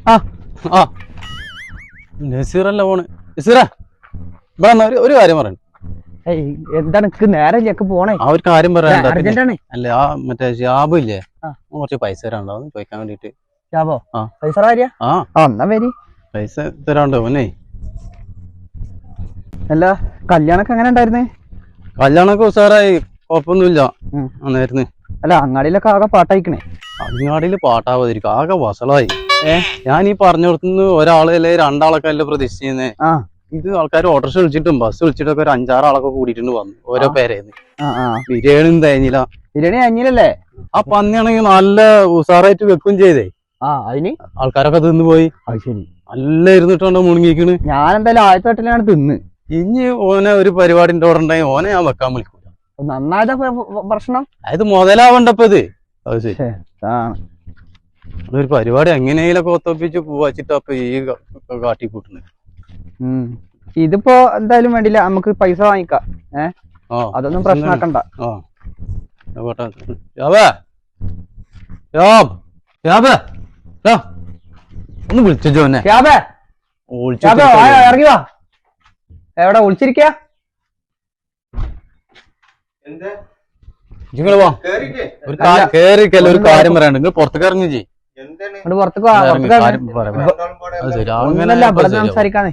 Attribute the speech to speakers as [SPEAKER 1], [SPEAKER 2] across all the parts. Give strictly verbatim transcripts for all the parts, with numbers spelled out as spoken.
[SPEAKER 1] ആ ആ നസീറല്ല പോണ്. നസീറ ഇവിടെ വന്നാ ഒരു കാര്യം പറയണം.
[SPEAKER 2] എന്താണ് എനിക്ക് നേരെ ചെക്ക് പോണേ?
[SPEAKER 1] ആ ഒരു കാര്യം പറയാൻ
[SPEAKER 2] അർജന്റാണ്.
[SPEAKER 1] അല്ല ആ മറ്റേ ഷാബ് ഇല്ലേ, കുറച്ച് പൈസ തരാണ്ടാവും ചോദിക്കാൻ വേണ്ടിട്ട്.
[SPEAKER 2] ഷാബോ?
[SPEAKER 1] ആ
[SPEAKER 2] പൈസ വരിക? ആ എന്നാ വരി.
[SPEAKER 1] പൈസ തരാണ്ടോ മോനെ?
[SPEAKER 2] അല്ല കല്യാണൊക്കെ എങ്ങനെ ഉണ്ടായിരുന്നേ?
[SPEAKER 1] കല്യാണൊക്കെ ഉസാറായി, കുഴപ്പമൊന്നുമില്ല. ആയിരുന്നു.
[SPEAKER 2] അല്ല അങ്ങാടിയിലൊക്കെ ആകെ പാട്ടായിക്കണേ.
[SPEAKER 1] അങ്ങാടിയില് പാട്ടാവാതിരിക്കും, ആകെ വസളായി. ഏഹ് ഞാൻ ഈ പറഞ്ഞു കൊടുത്തുനിന്ന് ഒരാളല്ലേ രണ്ടാളൊക്കെ അല്ലേ പ്രതീക്ഷിക്കുന്നേ. ഇത് ആൾക്കാർ ഓട്ടോറിക്ഷ വിളിച്ചിട്ടും ബസ് വിളിച്ചിട്ടൊക്കെ ഒരു അഞ്ചാറാളൊക്കെ കൂടിയിട്ടുണ്ട് വന്നു ഓരോ പേരേന്ന്. ബിരിയാണിയും തേഞ്ഞില്ല.
[SPEAKER 2] ബിരിയാണി തേഞ്ഞില്ലല്ലേ?
[SPEAKER 1] ആ പന്നിയാണെങ്കിൽ നല്ല ഉസാറായിട്ട് വെക്കും ചെയ്തേ.
[SPEAKER 2] ആ അതിന്
[SPEAKER 1] ആൾക്കാരൊക്കെ തിന്നു പോയി. അത് ശരി, നല്ല ഇരുന്നിട്ടുണ്ടോ മുണുങ്ങിക്കണ്.
[SPEAKER 2] ഞാൻ എന്തായാലും ആദ്യത്തെ വട്ടിലാണ് തിന്ന്.
[SPEAKER 1] ഇനി ഓനെ ഒരു പരിപാടിന്റെ ഓർഡർ ഉണ്ടെങ്കിൽ ഓനെ ഞാൻ വെക്കാൻ വിളിക്കൂല.
[SPEAKER 2] നന്നായതാ പ്രശ്നം.
[SPEAKER 1] അത് മുതലാവണ്ടപ്പോ ഇത്. അത് ശരി, ഒരു പരിപാടി എങ്ങനെയൊക്കെ ഒത്തപ്പിച്ച് പോവാച്ചിട്ടപ്പൊ ഈ കാട്ടിക്കൂട്ടുന്നത്.
[SPEAKER 2] ഇതിപ്പോ എന്തായാലും വേണ്ടില്ല, നമുക്ക് പൈസ വാങ്ങിക്കാം. ഏഹ് അതൊന്നും പ്രശ്നമാക്കണ്ട.
[SPEAKER 1] ഒന്ന് വിളിച്ചോ എന്നെ.
[SPEAKER 2] ഇറങ്ങി വാ. എവിടെ വിളിച്ചിരിക്ക?
[SPEAKER 1] നിങ്ങള് വാ, കേറിക്കല്ല ഒരു കാര്യം പറയാണ്ട്. നിങ്ങൾ പുറത്തേക്ക് ഇറങ്ങി ചെയ്യ്.
[SPEAKER 2] പുറത്തേക്ക് സംസാരിക്കാന്നേ.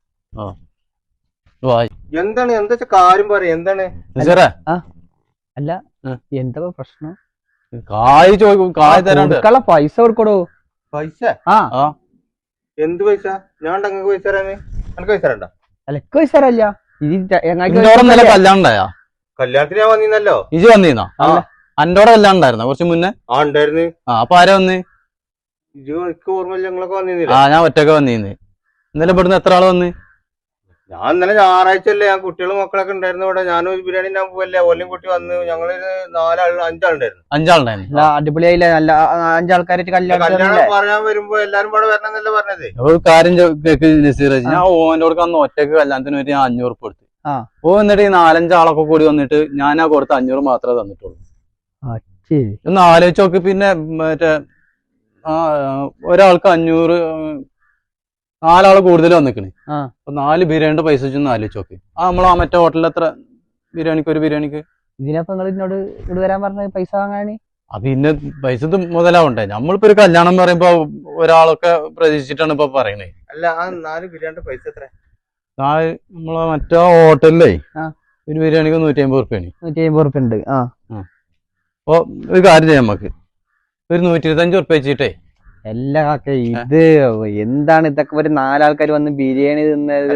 [SPEAKER 3] എന്താണ് എന്താ കാര്യം പറയാ? എന്താണ്
[SPEAKER 2] അല്ല എന്താ പ്രശ്നം?
[SPEAKER 1] കായ് ചോദിക്കും, കായ് തരാനുള്ള
[SPEAKER 2] പൈസ കൊടുക്കടോ.
[SPEAKER 3] പൈസ?
[SPEAKER 2] ആ
[SPEAKER 3] എന്ത് പൈസ? ഞാൻ അങ്ങക്ക് പൈസ തരാന്? എനിക്ക് പൈസ തരണ്ട.
[SPEAKER 2] അല്ല പൈസ തരല്ല.
[SPEAKER 1] കല്യാണം ഉണ്ടായാ?
[SPEAKER 3] കല്യാണത്തിന് ഞാൻ വന്നീന്നല്ലോ.
[SPEAKER 1] ഇജ് വന്നീന്നോ? അന്റോടെ കല്യാണം ഉണ്ടായിരുന്ന കുറച്ച് മുന്നേ?
[SPEAKER 3] ആ ഉണ്ടായിരുന്നു.
[SPEAKER 1] ആ അപ്പൊ ആരാ വന്ന്?
[SPEAKER 3] ഇജ് എനിക്ക് ഓർമ്മയില്ല, ഞങ്ങളൊക്കെ വന്നീന്നില്ല.
[SPEAKER 1] ആ ഞാൻ ഒറ്റക്ക് വന്നീന്ന്. ഇന്നലെ ഇവിടുന്ന് എത്ര ആള് വന്ന്?
[SPEAKER 3] ഞാൻ ഇന്നലെ ഞായറാഴ്ച അല്ലേ, ഞാൻ കുട്ടികളും മക്കളൊക്കെ ഉണ്ടായിരുന്നു ഇവിടെ. ഞാനും ബിരിയാണി ഞാൻ പോവല്ലേ, ഓലും കുട്ടി വന്ന് ഞങ്ങളൊരു നാലാൾ അഞ്ചാളുണ്ടായിരുന്നു.
[SPEAKER 1] അഞ്ചാളുണ്ടായിരുന്നു.
[SPEAKER 2] അടിപൊളിയായില്ലേ? നല്ല അഞ്ചാൾക്കാരായിട്ട് കല്യാണം
[SPEAKER 3] പറയാൻ വരുമ്പോ എല്ലാരും കൂടെ വരണമെന്നല്ലേ പറഞ്ഞത്.
[SPEAKER 1] ഒരു കാര്യം നസീറ, ഞാൻ ഓന്റെ കൂടെ അന്ന് ഒറ്റക്ക് കല്യാണത്തിന് വേണ്ടി ഞാൻ അഞ്ഞൂറ് ഉറുപ്പ് കൊടുത്തു. ഓ എന്നിട്ട് ഈ നാലഞ്ചാളൊക്കെ കൂടി വന്നിട്ട് ഞാൻ ആ കൊടുത്ത അഞ്ഞൂറ് മാത്രമേ തന്നിട്ടുള്ളൂ. ഒന്ന് ആലോചിച്ച് നോക്ക്. പിന്നെ മറ്റേ ആ ഒരാൾക്ക് അഞ്ഞൂറ്, നാലാള് കൂടുതൽ വന്നിക്കണ്. അപ്പൊ നാല് ബിരിയാണിയുടെ പൈസ വെച്ചൊന്ന് ആലോചിച്ച് നോക്ക്. ആ നമ്മളാ മറ്റേ ഹോട്ടലിൽ എത്ര ബിരിയാണിക്ക് ഒരു ബിരിയാണിക്ക്?
[SPEAKER 2] ഇതിനപ്പൊ നിങ്ങൾ എന്നോട് ഇവിടെ വരാൻ പറഞ്ഞ പൈസ വാങ്ങാന്?
[SPEAKER 1] അത് പിന്നെ പൈസ മുതലാവണ്ടേ? നമ്മളിപ്പോ ഒരു കല്യാണം പറയുമ്പോ ഒരാളൊക്കെ പ്രതീക്ഷിച്ചിട്ടാണ് ഇപ്പൊ പറയണേ.
[SPEAKER 3] അല്ല ആ നാല് ബിരിയാണിയുടെ പൈസ എത്ര?
[SPEAKER 1] നാല് നമ്മളെ മറ്റേ ഹോട്ടലിലേ ഒരു ബിരിയാണിക്ക് നൂറ്റി അമ്പത് റുപ്യാണ്.
[SPEAKER 2] നൂറ്റി അമ്പത് റുപ്യ ഉണ്ട്. ആ
[SPEAKER 1] അപ്പൊ ഒരു കാര്യം ചെയ്യാം, നമുക്ക് ഒരു നൂറ്റി ഇരുപത്തഞ്ച് റുപ്യ വെച്ചിട്ടേ.
[SPEAKER 2] എല്ലാ കാക്ക ഇത് എന്താണ് ഇതൊക്കെ? ഒരു നാലാൾക്കാർ വന്ന് ബിരിയാണി തിന്നത്.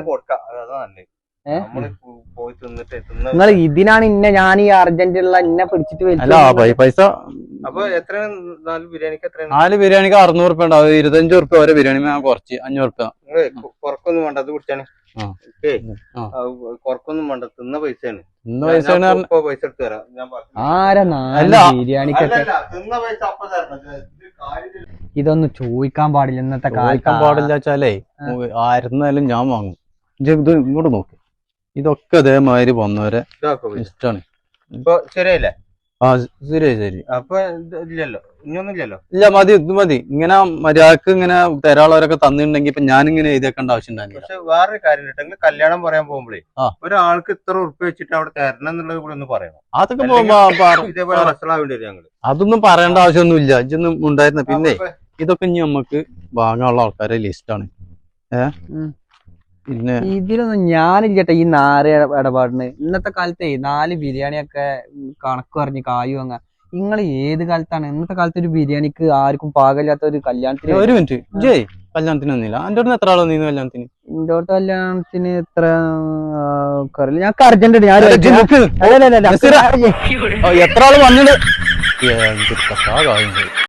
[SPEAKER 2] നിങ്ങൾ ഇതിനാണ് ഇന്നെ ഞാൻ ഈ അർജന്റീനുള്ള ഇന്നെ പിടിച്ചിട്ട്
[SPEAKER 1] പൈസ.
[SPEAKER 3] അപ്പൊ എത്ര നാല് ബിരിയാണിക്ക്? എത്ര?
[SPEAKER 1] നാല് ബിരിയാണിക്ക് അറുന്നൂറ് റുപ്യ ഉണ്ടാവും. ഇരുപത്തഞ്ച് റുപ്യ ഓരോ ബിരിയാണി കുറച്ച് അഞ്ഞൂറ് റുപ്യ.
[SPEAKER 3] കുറക്കൊന്നും വേണ്ട, അത് കുടിച്ചാണ്. കുറക്കൊന്നും വേണ്ട, തിന്ന പൈസയാണ്.
[SPEAKER 1] തിന്ന പൈസയാണ്.
[SPEAKER 3] പൈസ എടുത്ത് തരാം.
[SPEAKER 2] ബിരിയാണിക്കൊക്കെ ഇതൊന്നും ചോദിക്കാൻ പാടില്ല ഇന്നത്തെ
[SPEAKER 1] ചോദിക്കാൻ പാടില്ല വെച്ചാലേ ആയിരുന്നാലും ഞാൻ വാങ്ങും. ഇത് ഇങ്ങോട്ട് നോക്ക്, ഇതൊക്കെ അതേമാതിരി വന്നവരെ ഇഷ്ടമാണ്.
[SPEAKER 3] ഇപ്പൊ ശരിയല്ലേ?
[SPEAKER 1] ആ ശരി ശരി.
[SPEAKER 3] അപ്പൊ ഇല്ലല്ലോ, ഇനിയൊന്നും ഇല്ലല്ലോ.
[SPEAKER 1] ഇല്ല മതി, ഇത് മതി. ഇങ്ങനെ മര്യാദക്ക് ഇങ്ങനെ തരാളവരൊക്കെ തന്നിട്ടുണ്ടെങ്കിൽ ഇപ്പൊ ഞാനിങ്ങനെ എഴുതിയേക്കേണ്ട ആവശ്യം ഉണ്ടായിരുന്നു.
[SPEAKER 3] പക്ഷെ വേറൊരു കാര്യം ഉണ്ടെങ്കിൽ കല്യാണം പറയാൻ പോകുമ്പോഴേ ഒരാൾക്ക് ഇത്ര ഉറുപ്പ് വെച്ചിട്ട് അവിടെ തരണം എന്നുള്ളത് കൂടെ ഒന്ന് പറയണം.
[SPEAKER 1] അതൊക്കെ
[SPEAKER 3] ഇതേപോലെ മനസ്സിലാവേണ്ടി വരും ഞങ്ങള്.
[SPEAKER 1] അതൊന്നും പറയേണ്ട ആവശ്യമൊന്നുമില്ല. ഇതൊന്നും ഉണ്ടായിരുന്ന. പിന്നെ ഇതൊക്കെ ഇനി നമുക്ക് വാങ്ങാനുള്ള ആൾക്കാരെ ലിസ്റ്റാണ്. ഏഹ് പിന്നെ
[SPEAKER 2] ഇതിലൊന്നും ഞാനില്ലട്ടെ ഈ നാല് ഇടപാടിന്. ഇന്നത്തെ കാലത്തെ നാല് ബിരിയാണിയൊക്കെ കണക്ക് പറഞ്ഞ് കായു വാങ്ങാ. നിങ്ങൾ ഏത് കാലത്താണ്? ഇന്നത്തെ കാലത്ത് ഒരു ബിരിയാണിക്ക് ആർക്കും പാകമില്ലാത്ത ഒരു കല്യാണത്തിന്.
[SPEAKER 1] ഒരു മിനിറ്റ് ജയ്, കല്യാണത്തിന് വന്നില്ല? എന്റെ അടുത്ത് എത്ര ആളോ നീന്ന് കല്യാണത്തിന്?
[SPEAKER 2] എന്റെ അടുത്ത് കല്യാണത്തിന് എത്ര ഞങ്ങൾക്ക് അർജന്റ്. ഞാൻ
[SPEAKER 1] എത്ര ആള് വന്നിട്ട്